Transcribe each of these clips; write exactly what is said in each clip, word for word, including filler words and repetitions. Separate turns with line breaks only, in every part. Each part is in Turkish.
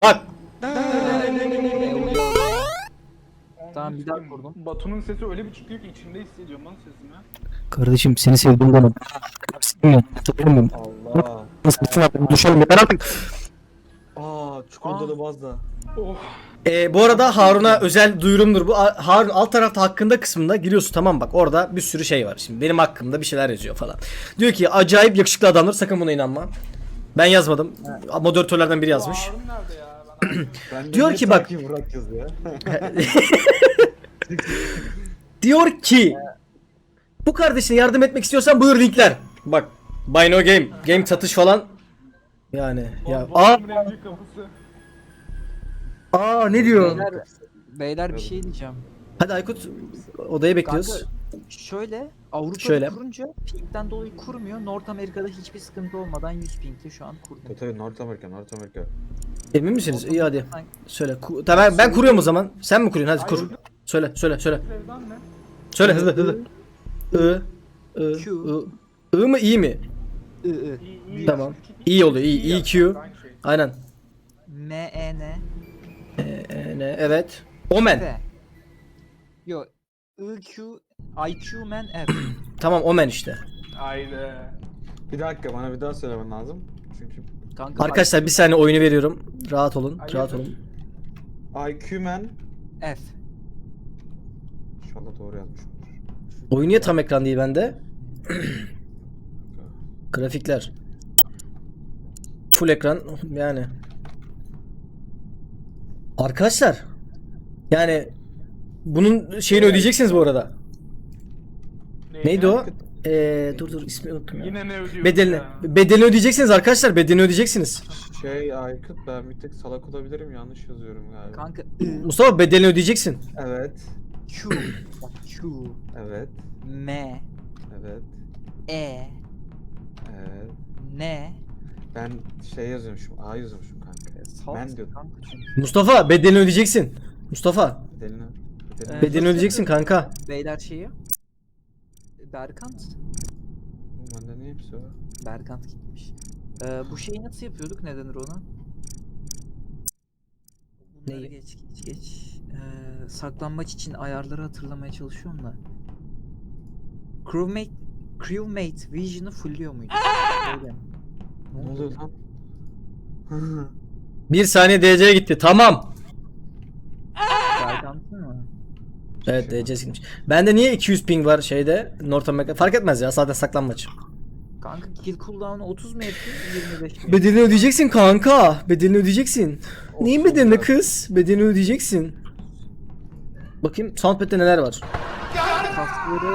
Bak.
Tamam bir daha kurdum.
Batu'nun sesi öyle bir çıkıyor ki içimde hissediyorum lan sesini.
Kardeşim seni sevdim bana. Sevmiyorum.
Allah.
Nasıl bütün artık düşelim yeter artık.
Aa çikolatalı bazda.
Oh.
Ee, bu arada Harun'a özel duyurumdur bu. A- Harun alt tarafta hakkında kısmında giriyorsun, tamam bak orada bir sürü şey var. Şimdi benim hakkımda bir şeyler yazıyor falan. Diyor ki acayip yakışıklı adamlar, sakın buna inanma. Ben yazmadım. Moderatörlerden biri yazmış.
Harun nerede ya? Ben
Ben de
Diyor
niye
ki bak-
sanki Murat yazıyor.
Diyor ki bu kardeşine yardım etmek istiyorsan buyur linkler. Bak Buy No Game, game satış falan. Yani ya aa
Batu'nun en büyük kapısı.
aa ne diyor?
Beyler, beyler bir şey diyeceğim.
Hadi Aykut odaya bekliyoruz.
Kanka şöyle Avrupa'da
Şöyle.
kurunca pingden dolayı kurmuyor. North Amerika'da hiçbir sıkıntı olmadan yüz ping'te şu an kurdum.
Tabii tabii North Amerika, North Amerika.
Emin misiniz? İyi hadi.
Sen-
Söyle. Ku- tamam ben, ben kuruyorum o zaman. Sen mi kuruyorsun? Hadi kur. Söyle, söyle, söyle.
Sevdan ne?
Söyle hızlı hızlı. I I
Q.
I I mı iyi mi?
I, I.
İyi, iyi
Tamam.
yaz.
İyi oluyor. iyi.
yaz.
E Q.
Aynı şey.
Aynen.
M, E, N,
E, ne? Evet. Omen.
F. Yo. I, Q, I, Q, man, F.
Tamam Omen işte.
Haydi.
Bir dakika bana bir daha söylemen lazım. Çünkü
Kanka
Arkadaşlar bir saniye oyunu veriyorum. Rahat olun.
Hayırdır?
Rahat olun.
I Q man.
F.
İnşallah doğru yazmışımdır.
Oyun niye tam ekran değil bende? Grafikler. Full ekran yani. Arkadaşlar. Yani bunun şeyini ödeyeceksiniz bu arada. Neydi o? Ee, dur dur ismi unuttum ya.
Yine ne ödüyorsun
Bedelini,
ya?
bedelini ödeyeceksiniz arkadaşlar. Bedelini ödeyeceksiniz.
Şey Aykut ben bir tek salak olabilirim yanlış yazıyorum galiba.
Kanka I,
Mustafa bedelini ödeyeceksin.
Evet.
Q, bak Q,
Evet.
M,
Evet.
E,
Evet.
N.
Ben şey yazıyormuşum. A yazıyormuşum kanka.
Sağ
Ben diyordum.
kanka çünkü.
Mustafa bedelini ödeyeceksin. Mustafa
Bedelini. Bedelini.
Evet.
bedelini ödeyeceksin kanka.
Beyler şeyi. Berkant.
Oğlum bende niye hepsi var?
Berkant gitmiş. Ee, bu şeyi nasıl yapıyorduk? Ne denir ona? Bunları
Neyi?
geç geç geç. Ee, saklanmaç için ayarları hatırlamaya çalışıyorum da. Crewmate Crewmate Vision'ı fullüyor muydu? Öyle.
Ne oluyor lan?
Bir saniye D C'ye gitti. Tamam.
Berkant'ın mı?
Evet D C silmiş. Bende niye iki yüz ping var şeyde? North America. Fark etmez ya. Zaten saklanmaç.
Kanka kill cooldown'u otuz mu yapıyor? yirmi beş mi?
Bedelini ödeyeceksin kanka. Bedelini ödeyeceksin. Neyin bedelini kız? Bedelini ödeyeceksin. Bakayım soundpad'de neler var.
Kasları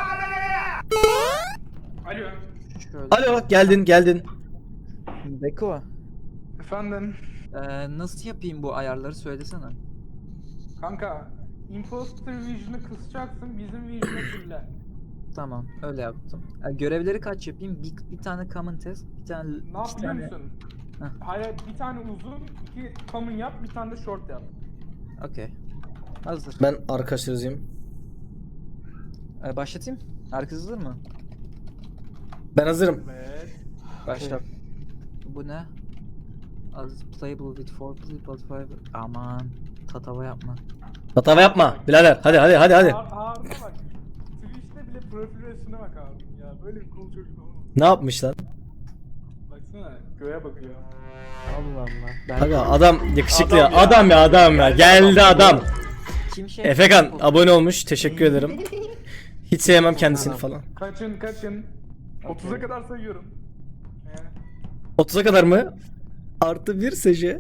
Alo.
şöyle.
Alo geldin geldin.
Beko.
Efendim.
Ee, nasıl yapayım bu ayarları söylesene.
Kanka. Imposter Vision'ı kısacaksın. Bizim Vision'ı fulle.
Tamam öyle yaptım. Ee, görevleri kaç yapayım? Bir, bir tane common test, bir tane
Ne
iki
yap biliyor
tane.
musun?
Heh.
Hayır bir tane uzun, iki common yap, bir tane de short yap.
Okey. Hazır.
Ben arkadaşlar yazayım.
Ee, başlatayım. Herkes hazır mı?
Ben hazırım.
Evet.
Başlat. Bu ne? As playable with four play but five. Aman. Tatava yapma.
Hata yapma birader. Hadi hadi hadi hadi.
Har Harun'a bak. Twitch'te bile profil resmine bak Harun ya. Böyle bir cool çocuk olmaz.
Ne yapmış lan?
Baksana göğe bakıyor.
Allah Allah. Ben
Aga adam yakışıklı ya.
Adam ya.
Adam ya adam ya. Geldi adam.
kim şey?
Efekan abone olmuş. Teşekkür ederim. Hiç sevmem kendisini falan.
Kaçın kaçın. otuza kadar sayıyorum. Yani.
otuza kadar mı? Artı bir seje.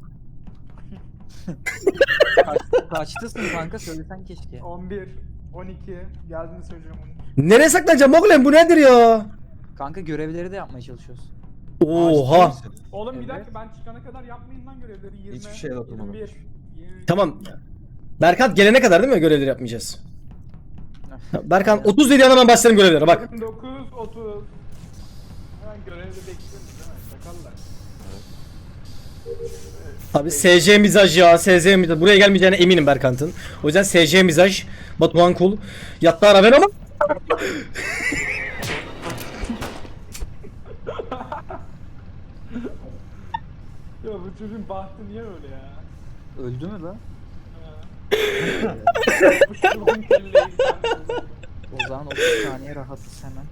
Kaç, kaçtasın kanka söylesen keşke.
on bir, on iki. Geldiğini söyleyeceğim onu.
Nereye saklanacağım oğlum, bu nedir ya?
Kanka görevleri de yapmaya çalışıyoruz.
Oha.
Oğlum bir
Evet.
dakika ben çıkana kadar yapmayın lan görevleri. yirmi,
Hiçbir şey dokunmadım.
yirmi bir, yirmi-
Tamam. Berkant gelene kadar değil mi görevleri yapmayacağız? Berkant otuz dedi hemen başlayalım görevlere bak.
yirmi dokuz, otuz. Hemen görevde bekliyoruz değil mi? Sakallar.
Abi S J mizaj ya, S J mizaj. Buraya gelmeyeceğine eminim Berkant'ın. O yüzden S J mizaj. Batuhan Kul. Yattı ara ben ama.
Ya bu çocuğun bahtı niye öyle ya?
Öldü mü lan?
Ha. Uçurdun kelleyi sen.
O zaman otuz saniye rahatız hemen.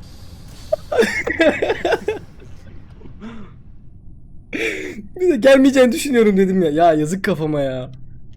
Bir de gelmeyeceğini düşünüyorum dedim ya. Ya yazık kafama ya.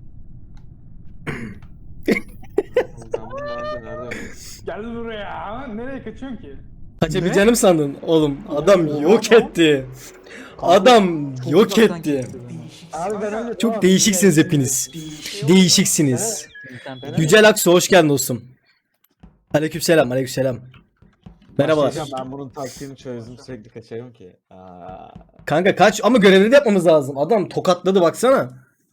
Ben bunu daha önce nerede oynadım?
Gel buraya. Nereye kaçıyorsun ki?
Kaçabileceğini mi sandın? Oğlum adam yok etti. Adam
Çok
yok
uzaktan
etti.
kesti beni.
Abi ben öyle
Çok değişiksiniz hepiniz. Değişiksiniz.
İnternet-
Yücel Aksu hoş geldin dostum. Aleykümselam, aleykümselam. Merhabalar.
Başlayacağım, ben bunun taktiğini çözdüm, sürekli kaçarım ki. Aa.
Kanka kaç ama görevleri de yapmamız lazım. Adam tokatladı baksana.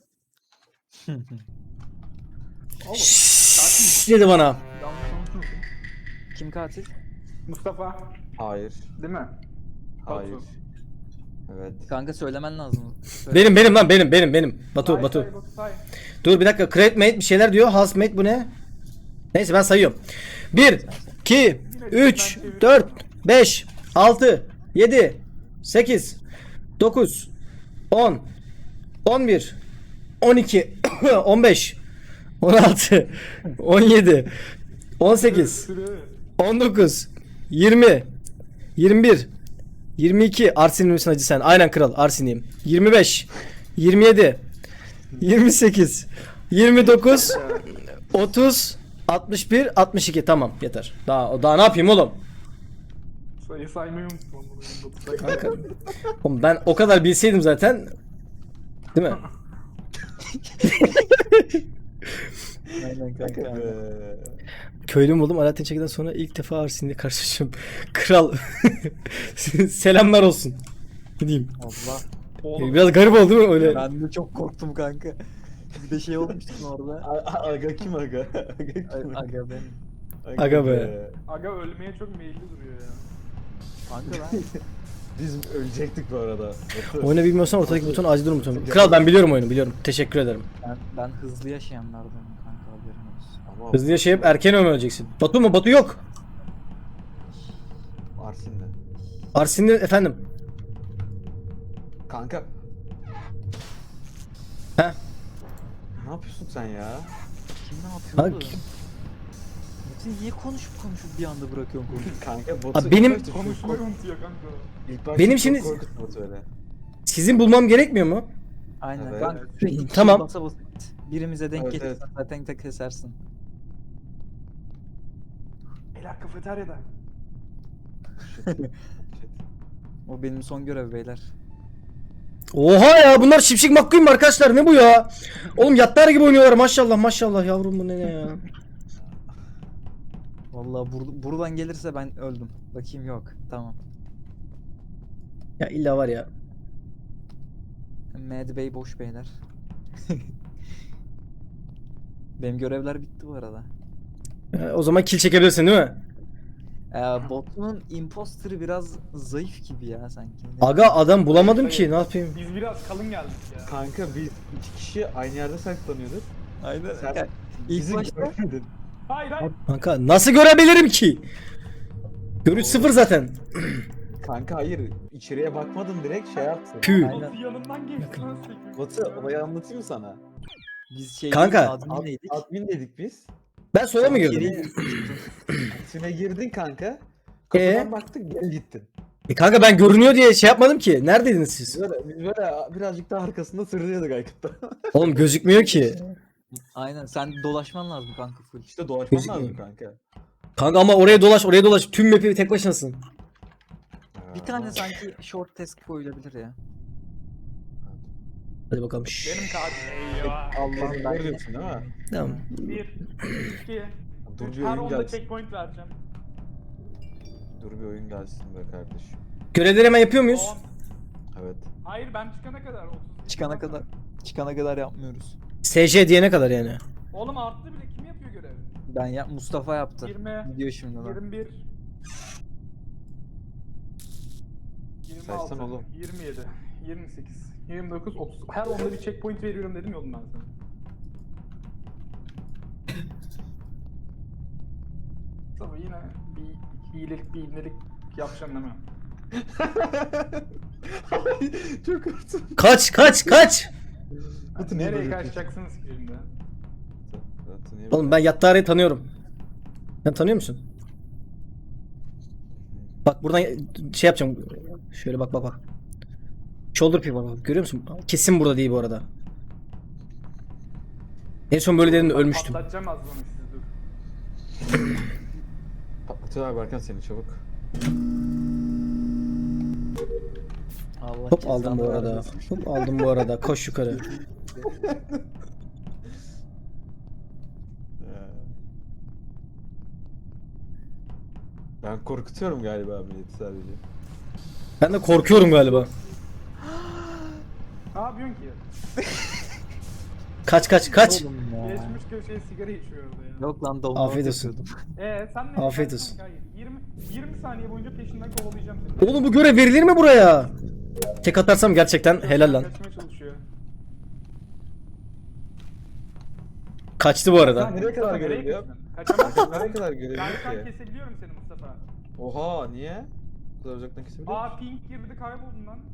Şşş dedi bana.
Yanlış konuşmuyorsun.
Kim katil?
Mustafa.
Hayır.
Değil mi?
Hayır.
Batu.
Evet.
Kanka söylemen lazım. Söyle.
Benim benim lan benim benim benim. Batu
Say,
Batu.
say, Batu, say.
Dur bir dakika. Create mate bir şeyler diyor. Housemate bu ne? Neyse ben sayıyorum. bir, iki, üç, dört, beş, altı, yedi, sekiz, dokuz, on, on bir, on iki, on beş, on altı, on yedi, on sekiz,
Sürü.
on dokuz, yirmi, yirmi bir, yirmi iki. Arsin'in misin hacı sen? Aynen kral Arsin'iyim. yirmi beş, yirmi yedi, yirmi sekiz, yirmi dokuz, otuz, altmış bir, altmış iki. Tamam yeter. Daha daha ne yapayım oğlum?
Sayı saymayı unuttum. onu, Batu, say.
Kanka. Oğlum ben o kadar bilseydim zaten. Değil mi?
Aynen kanka. aynen.
Ee,
Köylüm oldum. Alaaddin Çeki'den sonra ilk defa Arsin'le karşılaşıyorum. Kral. Selamlar olsun. Ne diyeyim?
Allah.
Oğlum.
Biraz garip oldu değil mi öyle?
Ben de çok korktum kanka. Bir de şey olmuştu orada.
a- a- Aga kim aga? Aga kim?
A- Aga benim.
Aga be.
Aga ölmeye çok meyilli duruyor ya.
Kanka ben
Biz ölecektik bu arada. Batu.
Oyunu bilmiyorsan ortadaki buton acil durum butonu. Kral ben biliyorum oyunu biliyorum. Teşekkür ederim.
ben, ben hızlı yaşayanlardanım kanka haberin olsun.
Ama
Hızlı yaşayıp erken öleceksin. Batu mu? Batu yok.
Arsin'de.
Arsin'de efendim.
Kanka
He?
ne yapıyorsun sen ya?
Kim ne yapıyor
Kanka.
oğlum? Metin niye konuşup konuşup bir anda bırakıyorsun konuyu?
Kanka Batu
Abi benim-
ilk başta çok
Konuşmayı
kork-
unutuyor kanka.
ilk başta
Benim
çok
şimdi-
korkuttu Batu öyle.
Sizin bulmam gerekmiyor mu?
Aynen
Evet.
kanka sürekli
Tamam.
basa basa git. Birimize denk
Evet,
gelirsen
evet.
zaten tek kesersin.
Beyler kafeteryada.
O benim son görev beyler.
Oha ya bunlar Şipşik McQueen mi arkadaşlar ne bu ya? Oğlum yatlar gibi oynuyorlar maşallah maşallah yavrum bu ne ya?
Vallahi bur- buradan gelirse ben öldüm. Bakayım yok. Tamam.
Ya illa var ya.
Mad Bey boş beyler. Benim görevler bitti bu arada.
Ya, o zaman kill çekebilirsin değil mi?
Ee, botunun imposter'ı biraz zayıf gibi ya sanki. Ne-
Aga adam bulamadım ki ne yapayım?
Biz biraz kalın geldik ya.
Kanka biz iki kişi aynı yerde saklanıyorduk.
Aynen.
Sen
Ya, İlk
bizi
başta
görmedin.
Hayır hayır.
Kanka nasıl görebilirim ki? Görüş sıfır zaten.
Kanka hayır, içeriye bakmadım, direkt şey yaptım.
Pü.
Aynen.
Batu yanından geçti lan sekiz.
Batu olayı anlatayım mı sana?
biz şey
Kanka.
Ad,
adminleydik.
admin dedik biz.
Ben sola mı
Sonra
girdim?
geri-
Admin'e girdin kanka. Kapıdan
Ee?
baktık, geri gittin.
E kanka ben görünüyor diye şey yapmadım ki. Neredeydiniz
Biz
siz?
böyle, biz böyle birazcık daha arkasında sırrıyorduk Aykut'ta.
Oğlum gözükmüyor ki.
Aynen sen dolaşman lazım kanka full.
İşte dolaşman
Gözükmüyor.
lazım kanka.
Kanka ama oraya dolaş oraya dolaş. Tüm map'i tek başınasın.
Bir tane sanki short task koyulabilir ya.
Hadi bakalım. Şşş.
Benim katil. Eyvah.
Allah'ım
Kesin
ben
böyle diyorsun değil mi?
Tamam.
Bir, iki,
Dur
üç.
bir
Her
oyun
onda
gelsin.
checkpoint vereceğim.
Dur bir oyun gelsin be kardeşim.
Görevleri hemen yapıyor muyuz?
On.
Evet.
Hayır ben çıkana kadar. otuz.
çıkana kadar çıkana kadar yapmıyoruz.
S J diyene kadar yani.
Oğlum arttı bile kim yapıyor görevi?
Ben ya Mustafa yaptı.
yirmi,
Gidiyor şimdi lan.
yirmi bir, yirmi
Saysan
altı,
oğlum.
yirmi yedi, yirmi sekiz, yirmi dokuz, otuz. Her onda bir checkpoint veriyorum dedim ya oğlum ben sana. Tabii yine bir hilelik bir ibnelik yapacağım değil mi?
Çok kötü.
Kaç kaç kaç.
Batu niye
Nereye
böyle
kaçacaksınız ki şimdi?
Batu niye
Oğlum ben Yattare'yi tanıyorum. Sen tanıyor musun? Bak buradan şey yapacağım. Şöyle bak bak bak. Shoulder pick bak bak. Görüyor musun? Kesin burada değil bu arada. En son böyle dediğimde ölmüştüm.
Patlatacağım az bunu sizi dur.
Patlatıyorlar Berkan seni çabuk.
Allah
Hop aldım bu
cezanı
arada.
vermesin.
Hop aldım bu arada. Koş yukarı.
Ya. Ben korkutuyorum galiba milleti sadece.
Ben de korkuyorum galiba.
Ne yapıyorsun ki?
Kaç kaç kaç.
Oğlum ya.
Geçmiş köşeye sigara içiyor orada ya.
Yok lan dolma
Afiyet olsun.
yapıyordum.
Eee sen ne?
Afiyet
sen-
olsun.
Hayır, yirmi, yirmi saniye boyunca peşinden kovalayacağım seni.
Oğlum bu görev verilir mi buraya? Tek atarsam gerçekten helal lan.
Kaçmaya çalışıyor.
Kaçtı bu arada.
Nereye kadar
Nereye
görev ya?
kaçtın? Kaçamazsın.
Nereye kadar görev
Yani
yok
sen
ki?
kesebiliyorum seni Mustafa.
Oha niye? Bu kadar uzaktan kesebiliyor musun?
Aa pink girdi kayboldun lan.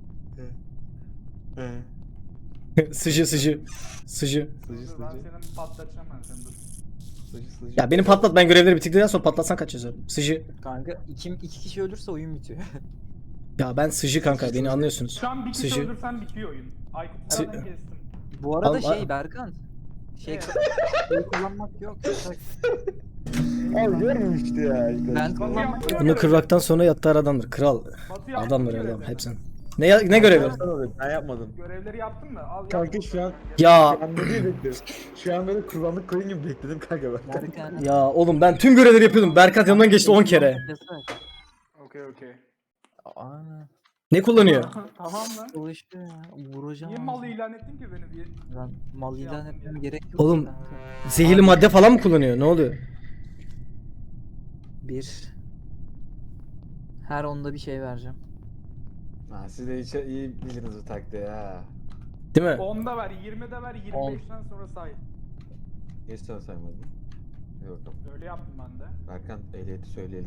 He.
Sıcı sıcı. Sıcı.
Sıcı
Dur, ben
sıcı.
senin patlatacağım ben seni dur.
Sıcı sıcı.
Ya benim patlat, ben görevleri bitirdikten sonra patlatsan kaç yazar? Sıcı.
Kanka iki, iki kişi ölürse oyun bitiyor.
Ya ben sıcı kanka, beni anlıyorsunuz.
Şu an bir kişi
Sıcı.
öldürsen bitiyor oyun. Aykut
Sı-
senden kestim.
Bu arada
Al-
şey
al-
Berkan. Şey,
Evet.
şey kullanmak yok. yasak.
Abi görmemişti ya.
Ben kullanmak yok.
Bunu kırmaktan sonra Yattar adamdır. Kral.
Batu yaptın
Adamdır adam
görevleri.
hepsini. Ne ya- ne görevi?
Ben yapmadım.
Görevleri yaptın mı? Al,
Kanka
yap.
şu an
Ya
şu an böyle bekledim. Şu an böyle kurbanlık koyun gibi bekledim kanka ben.
Berkan.
ya oğlum ben tüm görevleri yapıyordum. Berkat yanından geçti on kere.
Yasak.
Okey okey.
Aa,
Ne kullanıyor?
Tamam lan.
çalışıyor ya. Vuracağım.
Niye malı ilan ettin ki beni bir?
Lan mal ilan
yaptım
etmem
ya.
gerek yok.
Oğlum,
kanka.
Zehirli madde falan mı kullanıyor? Ne oluyor?
Bir. Her onda bir şey vereceğim.
Ha, siz de hiç iyi bildiniz bu taktiği ha.
Değil mi?
onda ver, yirmide ver,
On.
yirmi beşten sonra say.
Geç sana saymadın. Hadi bakalım.
Öyle yaptım ben de.
Berkan ehliyeti söyleyelim.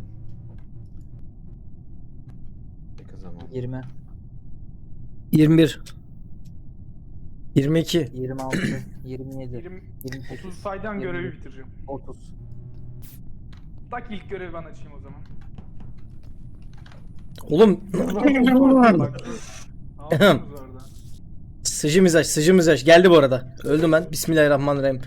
Peki o zaman.
yirmi.
yirmi bir. yirmi iki.
yirmi altı. yirmi yedi.
yirmi,
yirmi sekiz.
otuz saydan görevi
yirmi.
bitireceğim.
otuz.
Tak ilk görevi ben açayım o zaman.
Oğlum.
Bak. Ne yapıyorsunuz orada?
Sıcı mizaj, sıcı mizaj. Geldi bu arada. Öldüm ben. Bismillahirrahmanirrahim.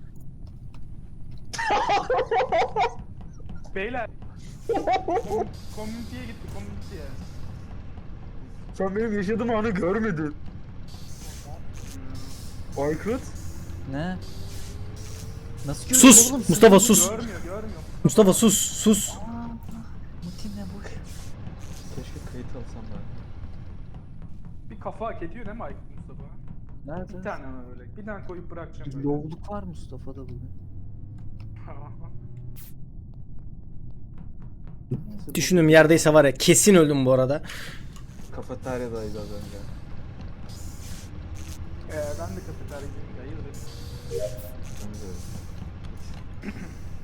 Beyler. Kom- Komüniteye gitti, komüniteye.
Sen benim yaşadığım anı görmedin. Aykut.
Ne? Nasıl görüyorsun
Sus!
oğlum?
Mustafa sus!
Görmüyor, görmüyor.
Mustafa sus, sus.
Aa, Muti ne boş.
Keşke kayıt alsam ben.
Bir kafa hak ediyor değil mi Aykut Mustafa?
Nerede?
Bir tane ama böyle. Bir tane koyup bırakacağım böyle.
Yolluk var Mustafa'da bugün. Neyse, bu-
Düşündüğüm yerdeyse var ya, kesin öldüm bu arada.
Kafeteryadaydı az önce.
Ee, ben de kafeteryacıyım da hayırdır.
Ben de öyle.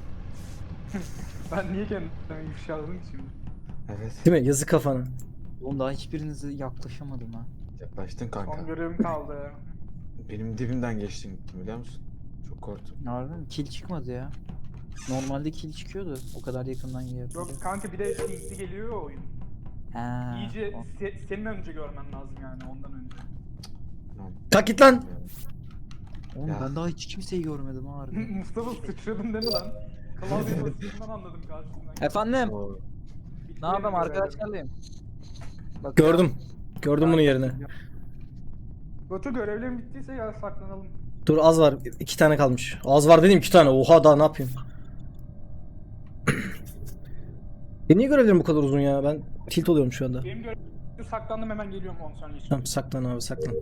Ben niye kendimi ifşaladım ki şimdi?
Evet.
Değil mi? Yazık kafana.
Oğlum daha hiçbirinize yaklaşamadım ha.
Yaklaştın
Son
kanka.
görevim kaldı.
Benim dibimden geçtin gittin biliyor musun? Çok korktum.
Harbi mi? Kill çıkmadı ya. Normalde kill çıkıyordu. O kadar yakından yiyor.
Yok kanka bir de pinkli geliyor ya oyun.
Ha.
İyice
o-
se- senin önce görmen lazım yani ondan önce.
Tamam.
Kalk git lan.
Oğlum
Ya.
ben daha hiç kimseyi görmedim ha harbi.
Mustafa sıçradın değil mi lan? Klavye basısından anladım karşımdan.
Efendim?
Oo.
Ne yapayım arkadaşlarlayım. Bak
Gördüm. Gördüm bunun yerini.
Batu görevlerin bittiyse ya saklanalım.
Dur az var. İki tane kalmış. Az var dedim, iki tane. Oha, daha ne yapayım? E niye görevlerim bu kadar uzun ya? Ben tilt oluyorum şu anda.
Benim görevim saklandım hemen geliyorum on saniye için.
Tamam, saklan abi, saklan.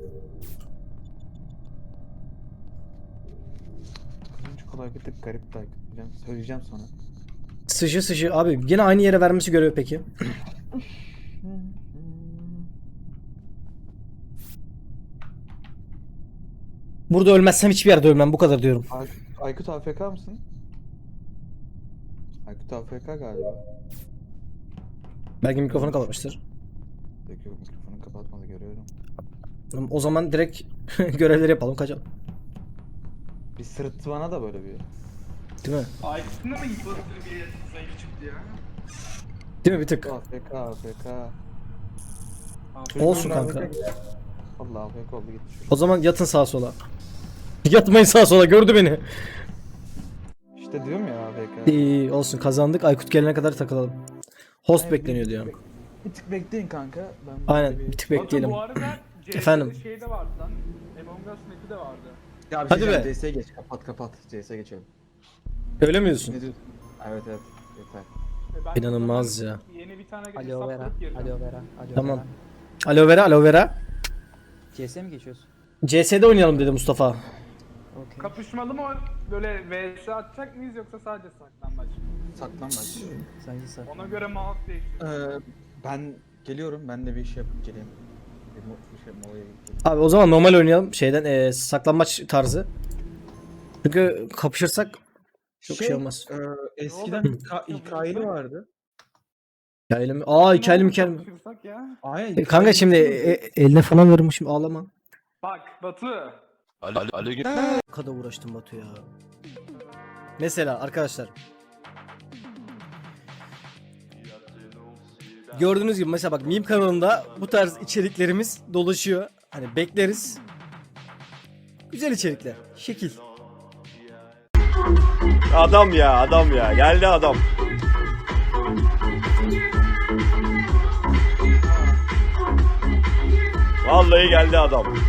Kızınca kolay bir tık garip takip edeceğim. Söyleyeceğim sonra.
Sıcı sıcı abi. Yine aynı yere vermesi görevi peki. Burada ölmezsem hiçbir yerde ölmem. Bu kadar diyorum.
Ay Aykut A F K mısın? Aykut A F K galiba.
Belki mikrofonu kapatmıştır.
Yok yok mikrofonu kapatmadı görüyorum.
O zaman direkt görevleri yapalım kaçalım.
Bir sırıttı bana da böyle bir.
Değil mi?
Aykut'un da mı imposter bir sayı çıktı ya?
Değil mi bir tık?
A F K A F K.
Olsun kanka.
Allah A F K oldu gitti
O
çocuk.
zaman yatın sağa sola. Yatmayın sağa sola, gördü beni.
İşte diyorum ya A F K.
İyi olsun, kazandık. Aykut gelene kadar takılalım. Host
Aynen,
bekleniyor
bir-
diyor.
Bir tık bekleyin kanka. Ben
Aynen
böyle
bir tık
Batu
bekleyelim.
bu arada C S'de
Efendim?
şey de vardı lan. Among Us Map'i de vardı.
Ya bir
Hadi
şey
be.
diyeceğim, C S'ye geç kapat kapat. C S'ye geçelim.
Öyle mi diyorsun?
Ne diyorsun? Evet evet yeter.
Ve ben
İnanılmaz
buradan
ya.
Yeni bir tane
Aloe
hesap
vera.
kurup gireceğim.
Aloe vera. Aloe
Tamam.
vera.
Aloe vera, aloe vera.
C S'ye mi geçiyoruz?
C S'de oynayalım dedi Mustafa.
Okey.
Kapışmalı mı böyle V S atacak mıyız yoksa sadece saklambaç mı?
Saklanmaç.
Sadece sak.
Ona göre mouse değiştir.
Ee, ben geliyorum. Ben de bir iş yapıp geleyim. Bir, mo- bir şey molaya gideyim.
Abi o zaman normal oynayalım şeyden eee saklambaç tarzı. Çünkü kapışırsak çok şey, olmaz.
e, eskiden
Ne
İK- İK'li vardı.
Hikayeli mi? Aa hikayeli mi hikayeli mi?
Kapışırsak ya.
Aynen.
E, kanka şimdi e, eline falan vermişim, ağlama.
Bak Batu.
Alo, alo, git.
Ne kadar uğraştım Batu ya. Mesela arkadaşlar. Gördüğünüz gibi mesela bak meme kanalında bu tarz içeriklerimiz dolaşıyor. Hani bekleriz. Güzel içerikler. Şekil.
Adam ya adam ya geldi adam. Vallahi geldi adam.